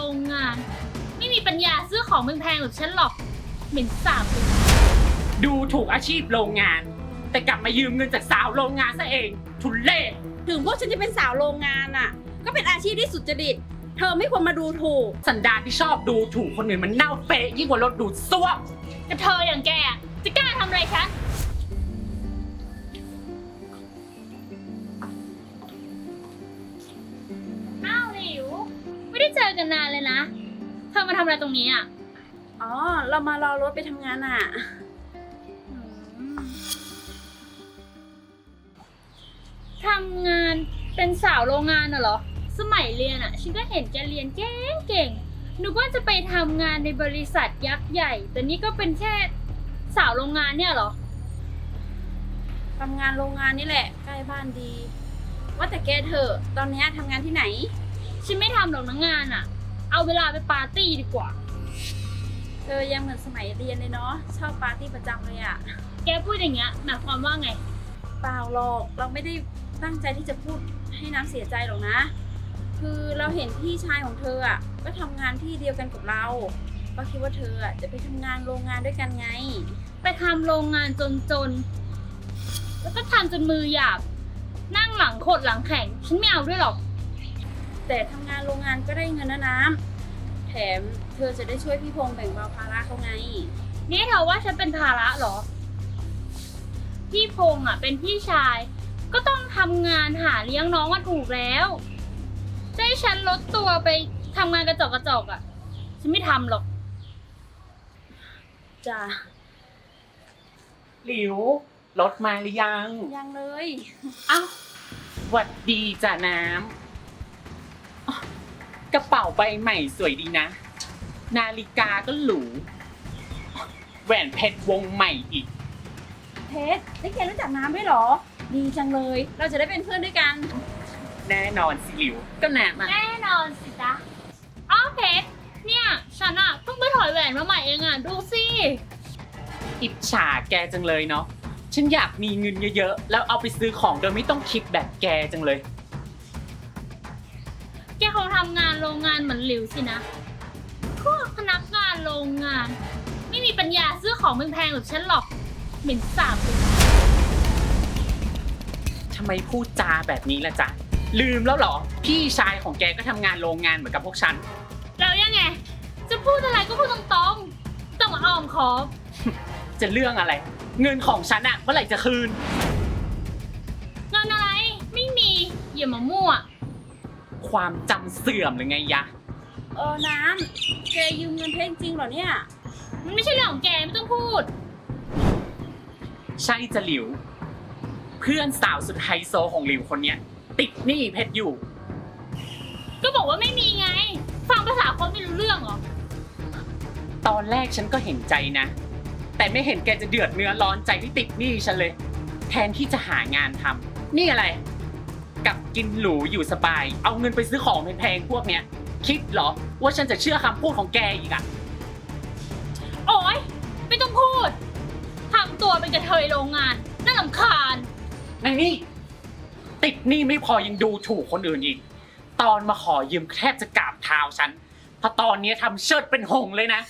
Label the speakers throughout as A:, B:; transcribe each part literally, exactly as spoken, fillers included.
A: รงงานไม่มีปัญญาซื้อของแพงๆแบบฉันหรอกเหม็นสาบเลย
B: ดูถูกอาชีพโรงงาน แต่กลับมายืมเงินจากสาวโรงงานซะเองทุเรศ
C: ถึงพวกฉันจะเป็นสาวโรงงานอ่ะก็เป็นอาชีพที่สุจริตเธอไม่ควรมาดูถูก
B: สันดานที่ชอบดูถูกคนอื่นมันเน่าเฟะยิ่งกว่ารถดูดซ่วม
A: แต่เธออย่างแกจะกล้าทำอะไรฉันอ้าวหลิวไม่ได้เจอกันนานเลยนะเธอมาทำอะไรตรงนี้อ่ะ
C: อ๋อเรามารอรถไปทำงานอ่ะ
A: ทำงานเป็นสาวโรงงานน่ะเหรอสมัยเรียนอ่ะฉันก็เห็นแกเรียนเก่งเก่งนึกว่าจะไปทำงานในบริษัทยักษ์ใหญ่ แต่นี่ก็เป็นแค่สาวโรงงานเนี่ยเหรอ
C: ทำงานโรงงานนี่แหละใกล้บ้านดี ว่าแต่แกเถอะตอนนี้ทำงานที่ไหน
A: ฉันไม่ทำหรอกนะงานอ่ะ เอาเวลาไปปาร์ตี้ดีกว่า
C: เธอยังเหมือนสมัยเรียนเลยเนาะชอบปาร์ตี้ประจำเลยอ่ะ
A: แกพูดอย่างเงี้ยหมายความว่าไง
C: เปล่าหรอกเราไม่ได้ตั้งใจที่จะพูดให้น้ำเสียใจหรอกนะ คือเราเห็นพี่ชายของเธออ่ะก็ทำงานที่เดียวกันกับเราก็คิดว่าเธออ่ะจะไปทำงานโรงงานด้วยกันไง
A: ไปทำโรงงานจนๆ แล้วก็ทำจนมือหยาบ นั่งหลังโคตรหลังแข็ง ฉันไม่เอาด้วยหรอก
C: แต่ทำงานโรงงานก็ได้เงินนะน้ำแถมเธอจะได้ช่วยพี่พงษ์แบ่งเบาภาระเขาไง
A: นี่เธอว่าฉันเป็นภาระเหรอ พี่พงษ์อ่ะเป็นพี่ชาย ก็ต้องทำงานหาเลี้ยงน้องมาถูกแล้วจะให้ฉันลดตัวไปทำงานกระจอกกระจอกอ่ะ ฉันไม่ทำหรอก
C: จ้ะ
B: หลิวรถมาหรือยัง
C: ยังเลย
B: อ้าวหวัดดีจ้ะน้ำอ๊ะกระเป๋าใบใหม่สวยดีนะ นาฬิกาก็หรูแหวนเพชรวงใหม่อีก
C: เพชรได้แกรู้จักน้ำด้วยเหรอ ดีจังเลย เราจะได้เป็นเพื่อนด้วยกัน
B: แน่นอนสิหลิวก็น้ำอ่ะ
A: แน่นอนสิจ๊ะอ้าวเพชรเนี่ย ฉันอะเพิ่งไปถอยแหวนมาใหม่เองอะดูสิ
B: อิจฉาแกจังเลยเนาะฉันอยากมีเงินเยอะๆแล้วเอาไปซื้อของโดยไม่ต้องคิดแบบแกจังเลย
A: แกคงทำงานโรงงานเหมือนหลิวสินะ พวกพนักงานโรงงาน ไม่มีปัญญาซื้อของแพงๆแบบฉันหรอกเหม็นสาบเลย
B: ทำไมพูดจาแบบนี้ล่ะจ๊ะ ลืมแล้วเหรอ พี่ชายของแกก็ทำงานโรงงานเหมือนกับพวกฉัน
A: แล้วยังไง จะพูดอะไรก็พูดตรงๆต้องมาอ้อมขอบ
B: จะเรื่องอะไร เงินของฉันอะเมื่อไหร่จะคืน
A: เงินอะไร ไม่มี อย่ามามั่ว
B: ความจำเสื่อมหรือไงยะ
C: เออ น้ำแกยืมเงินเพชรจริงเหรอเนี่ย
A: มันไม่ใช่เรื่องของแกไม่ต้องพูด
B: ใช่จะหลิว เพื่อนสาวสุดไฮโซของหลิวคนเนี้ย ติดหนี้เพชรอยู่
A: ก็บอกว่าไม่มีไง ฟังภาษาคนไม่รู้เรื่องเหรอ
B: ตอนแรกฉันก็เห็นใจนะ แต่ไม่เห็นแกจะเดือดเนื้อร้อนใจที่ติดหนี้ฉันเลย แทนที่จะหางานทำนี่อะไรกลับกินหรูอยู่สบาย เอาเงินไปซื้อของแพงๆพวกเนี้ย คิดเหรอว่าฉันจะเชื่อคำพูดของแกอีกอะ
A: โอ๊ย ไม่ต้องพูดทำตัวเป็นกระเทยโรงงานน่ารำคาญ
B: ในนี่ติดหนี้ไม่พอยังดูถูกคนอื่นอีก ตอนมาขอยืมแทบจะกราบเท้าฉันเพราะตอนนี้ทำเชิดเป็นหงส์เลยนะ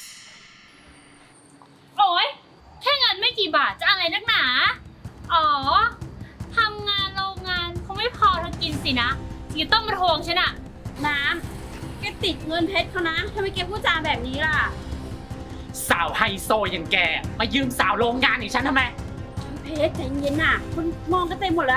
A: โอ๊ย แค่เงินไม่กี่บาทจะอะไรนักหนา อ๋อ ทำงานโรงงานคงไม่พอเธอกินสินะถึงจะต้องมาทวงฉันอะ
C: น้ำแกติดเงินเพชรเขานะทำไมแกพูดจาแบบนี้ล่ะ
B: สาวไฮโซอย่างแกมายืมสาวโรงงานอย่างฉันทำไม
C: เพชรใจเย็นน่ะคนมองกันเต็มหมดแล้ว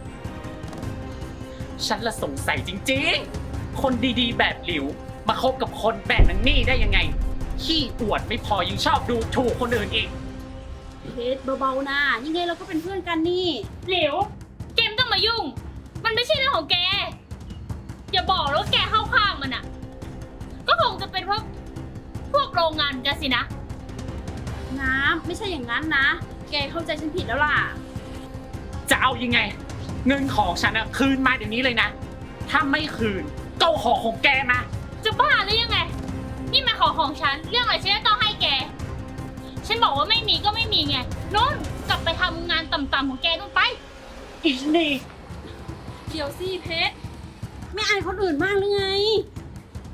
B: ฉันละสงสัยจริงๆ คนดีๆ แบบหลิว มาคบกับคนแบบนังนี่ได้ยังไง ขี้อวดไม่พอยังชอบดูถูกคนอื่นอีก
C: เพชรเบาๆนะยังไงเราก็เป็นเพื่อนกันนี่
A: เหลวแกไม่ต้องมายุ่ง มันไม่ใช่เรื่องของแก อย่าบอกแล้วาแกเข้าข้างมันอะก็คงจะเป็นพวกพวกโรงงานกันสินะ
C: น้ำไม่ใช่อย่างนั้นนะ แกเข้าใจฉันผิดแล้วล่ะ
B: จะเอายังไง เงินของฉันอะคืนมาเดี๋ยวนี้เลยนะ ถ้าไม่คืนก็เอาของของแกมา
A: จะบ้าหรือยังไง นี่มันของของฉัน เรื่องอะไรฉันจะต้องให้แก ฉันบอกว่าไม่มีก็ไม่มีไงนุ่นกลับไปทำงานต่ำๆของแกนู่นไป
B: อีนี่
C: เดี๋ยวสิเพชรไม่อายคนอื่นมากหรือไง
B: มันสิ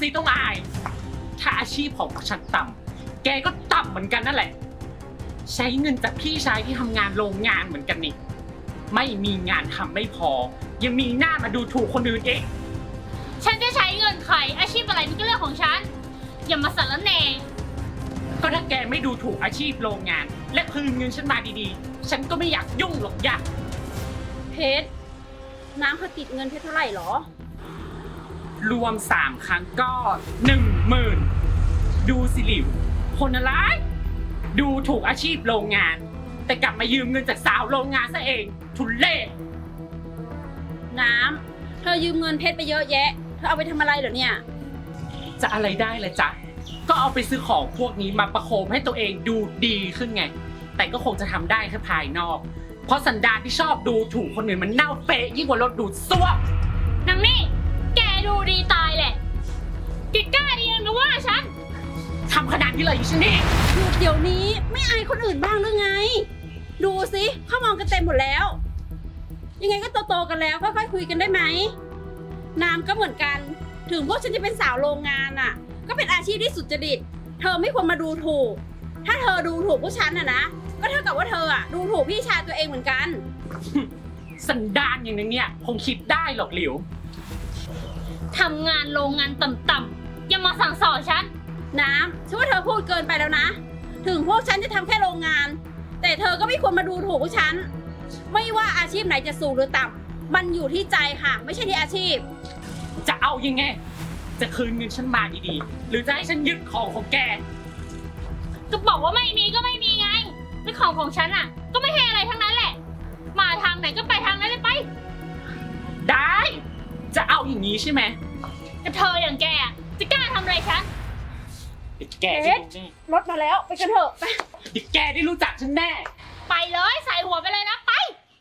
B: สิต้องอาย ถ้าอาชีพของฉันต่ำแกก็ต่ำเหมือนกันนั่นแหละ ใช้เงินจากพี่ชายที่ทำงานโรงงานเหมือนกันนี่ ไม่มีงานทำไม่พอ ยังมีหน้ามาดูถูกคนอื่นอีก
A: ฉันจะใช้เงินใครอาชีพอะไรนี่ก็เรื่องของฉัน อย่ามาสารแหน่
B: ก็ถ้าแกไม่ดูถูกอาชีพโรงงาน และคืนเงินฉันมาดีๆ ฉันก็ไม่อยากยุ่งหรอกอยาก
C: เพชรน้ำเขาติดเงินเพชรเท่าไหร่หรอ
B: รวมสามครั้งก็หนึ่งหมื่นดูสิหลิวคนอะไรดูถูกอาชีพโรงงาน แต่กลับมายืมเงินจากสาวโรงงานซะเองทุเล่
C: น้ำเธอยืมเงินเพชรไปเยอะแยะ เธอเอาไปทำอะไรเหรอเนี่ย
B: จะอะไรได้ละจ๊ะก็เอาไปซื้อของพวกนี้มาประโคมให้ตัวเองดูดีขึ้นไง แต่ก็คงจะทำได้แค่ภายนอก เพราะสันดานที่ชอบดูถูกคนอื่นมันเน่าเฟะยิ่งกว่ารถดูดซ่วม
A: นางนี่ แกดูดีตายแหละแกกล้าดียังนะว่าฉัน
B: ทำขนาดนี้เลยอีฉันนี่
C: หยุดเดี๋ยวนี้ไม่อายคนอื่นบ้างหรือไง ดูสิเขามองกันเต็มหมดแล้ว ยังไงก็โตๆกันแล้วค่อยๆคุยกันได้ไหมน้ำก็เหมือนกัน ถึงพวกฉันจะเป็นสาวโรงงานอ่ะ ก็เป็นอาชีพที่สุจริต เธอไม่ควรมาดูถูก ถ้าเธอดูถูกพวกฉันอ่ะนะก็เท่ากับว่าเธออ่ะดูถูกพี่ชายตัวเองเหมือนกัน
B: สันดานอย่างนี้เนี่ยคงคิดได้หรอกหลิว
A: ทำงานโรงงานต่ำๆอย่ามาสั่งสอนฉัน
C: น้ำฉันว่าเธอพูดเกินไปแล้วนะ ถึงพวกฉันจะทำแค่โรงงาน แต่เธอก็ไม่ควรมาดูถูกพวกฉัน ไม่ว่าอาชีพไหนจะสูงหรือต่ำมันอยู่ที่ใจค่ะ ไม่ใช่ที่อาชีพ
B: จะเอายังไง จะคืนเงินฉันมาดีๆ หรือจะให้ฉันยึดของของแก
A: ก็บอกว่าไม่มีก็ไม่มีไงและของของฉันอ่ะ ก็ไม่ให้อะไรทั้งนั้นแหละ มาทางไหนก็ไปทางนั้นเลยไป
B: ได้ จะเอาอย่างนี้ใช่ไหม
A: แต่เธออย่างแกอะจะกล้าทำอะไรฉัน
B: เดี๋ยวแกได้รู้แน่
C: รถมาแล้วไปกันเถอะไป
B: เดี๋ยวแกได้รู้จักฉันแน่
A: ไปเลยใส่หัวไปเลยนะไป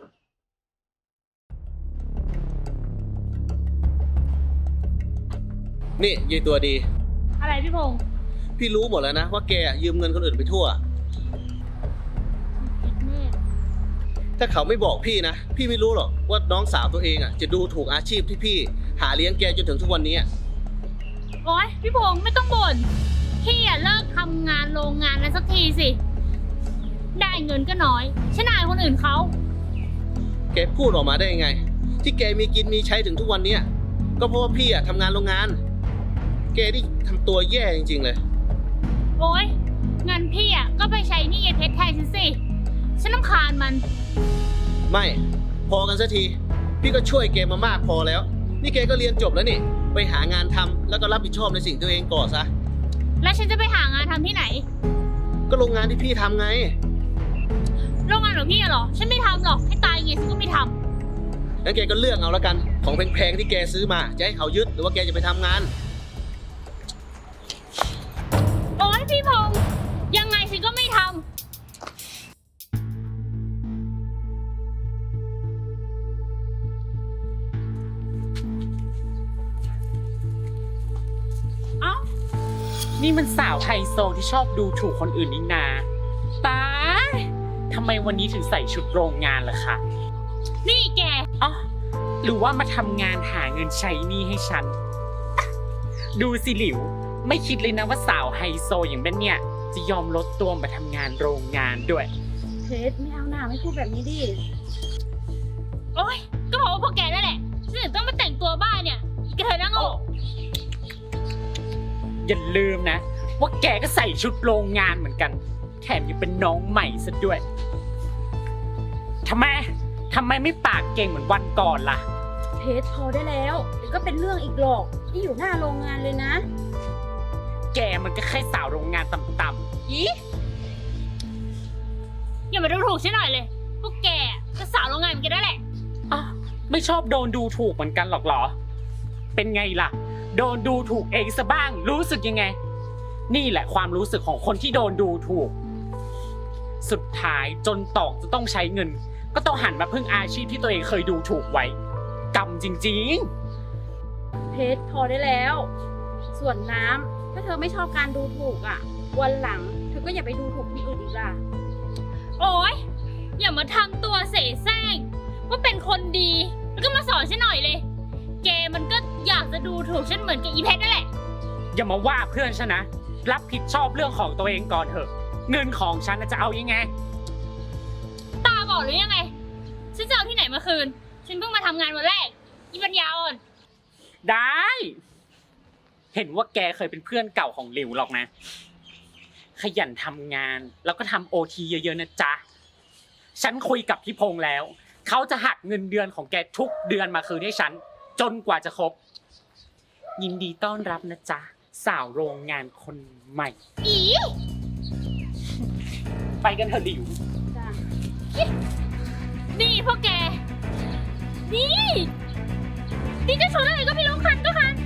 D: นี่ยายตัวดี
A: อะไรพี่พงษ์
D: พี่รู้หมดแล้วนะว่าแกยืมเงินคนอื่นไปทั่ว ถ้าเขาไม่บอกพี่นะ พี่ไม่รู้หรอกว่าน้องสาวตัวเองอ่ะจะดูถูกอาชีพที่พี่หาเลี้ยงแกจนถึงทุกวันนี้
A: โอ๊ยพี่พงษ์ไม่ต้องบ่นพี่อะเลิกทำงานโรงงานแล้วสักทีสิ ได้เงินก็น้อยฉันอายคนอื่นเขา
D: แกพูดออกมาได้ยังไง ที่แกมีกินมีใช้ถึงทุกวันนี้ก็เพราะว่าพี่อ่ะทำงานโรงงาน แกนี่ทำตัวแย่จริงๆเลย
A: โอ๊ยเงินพี่อะก็ไปใช้หนี่ยายเพชรแทนฉันสิฉันรำคาญมัน
D: ไม่ พอกันสักที พี่ก็ช่วยแกมามากพอแล้ว นี่แกก็เรียนจบแล้วนี่ ไปหางานทำแล้วก็รับผิดชอบในสิ่งตัวเองก่อนซะ
A: แล้วฉันจะไปหางานทำที่ไหน
D: ก็โรงงานที่พี่ทำไง
A: โรงงานของพี่อะเหรอฉันไม่ทำหรอกให้ตายยังไงฉันก็ไม่ท
D: งั้นแกก็เลือกเอาละกัน ของแพงๆที่แกซื้อมา จะให้เขายึดหรือว่าแกจะไปทำงาน
A: ำโอ๊ยพี่พงษ์ยังไงฉันก็ไม่ทำ
B: เอ้า นี่มันสาวไฮโซที่ชอบดูถูกคนอื่นนี่นาตายทำไมวันนี้ถึงใส่ชุดโรงงานล่ะคะ
A: นี่แก
B: อ๋อหรือว่ามาทำงานหาเงินใช้หนี้ให้ฉัน ดูสิหลิว ไม่คิดเลยนะว่าสาวไฮโซอย่างแม่เนี่ย จะยอมลดตัวมาทำงานโรงงานด้วย
C: เพชรไม่เอาหน้าไม่พูดแบบนี้ดิ
A: โอ๊ยก็บอกว่าพวกแกนั่นแหละฉันถึงต้องมาแต่งตัวบ้าเนี่ยอีกระเทยนั่งโง่
B: อย่าลืมนะ ว่าแกก็ใส่ชุดโรงงานเหมือนกัน แถมยังเป็นน้องใหม่ซะด้วยทำไมทำไมไม่ปากเก่งเหมือนวันก่อนล่ะ
C: เพชรพอได้แล้วเดี๋ยวก็เป็นเรื่องอีกหรอกที่อยู่หน้าโรงงานเลยนะ
B: แกมันก็แค่สาวโรงงานต่ำๆอี
A: อย่ามาดูถูกฉันหน่อยเลย พวกแกก็สาวโรงงานเหมือนกันนั่นแหละ
B: อ่ะไม่ชอบโดนดูถูกเหมือนกันหรอกเหรอ เป็นไงล่ะ โดนดูถูกเองซะบ้าง รู้สึกยังไง นี่แหละความรู้สึกของคนที่โดนดูถูก สุดท้ายจนตอกจะต้องใช้เงิน ก็ต้องหันมาพึ่งอาชีพที่ตัวเองเคยดูถูกไว้กรรมจริงๆ
C: เพชรพอได้แล้ว ส่วนน้ำถ้าเธอไม่ชอบการดูถูกอ่ะ วันหลังเธอก็อย่าไปดูถูกคนอื่นอีกล่ะ
A: โอ๊ยอย่ามาทำตัวเสแสร้งว่าเป็นคนดีแล้วก็มาสอนฉันหน่อยเลย แกมันก็อยากจะดูถูกฉันเหมือนกับอีเพชรนั่นแหละ
B: อย่ามาว่าเพื่อนฉันนะ รับผิดชอบเรื่องของตัวเองก่อนเถอะ เงินของฉันน่ะจะเอายังไง
A: ตาบอดหรือยังไง ฉันจะเอาที่ไหนมาคืน ฉันเพิ่งมาทำงานวันแรกอีปัญญาอ่อน
B: ได้ เห็นว่าแกเคยเป็นเพื่อนเก่าของหลิวหรอกนะ ขยันทำงานแล้วก็ทำโอทีเยอะๆนะจ๊ะ ฉันคุยกับพี่พงษ์แล้ว เขาจะหักเงินเดือนของแกทุกเดือนมาคืนให้ฉัน จนกว่าจะครบ ยินดีต้อนรับนะจ๊ะ สาวโรงงานคนใหม่
A: อี
B: ไปกันเถอะหลิว
C: จ้ะ
A: นี่พวกแก นี่ นี่จะชนอะไรก็ไม่รู้คันก็คัน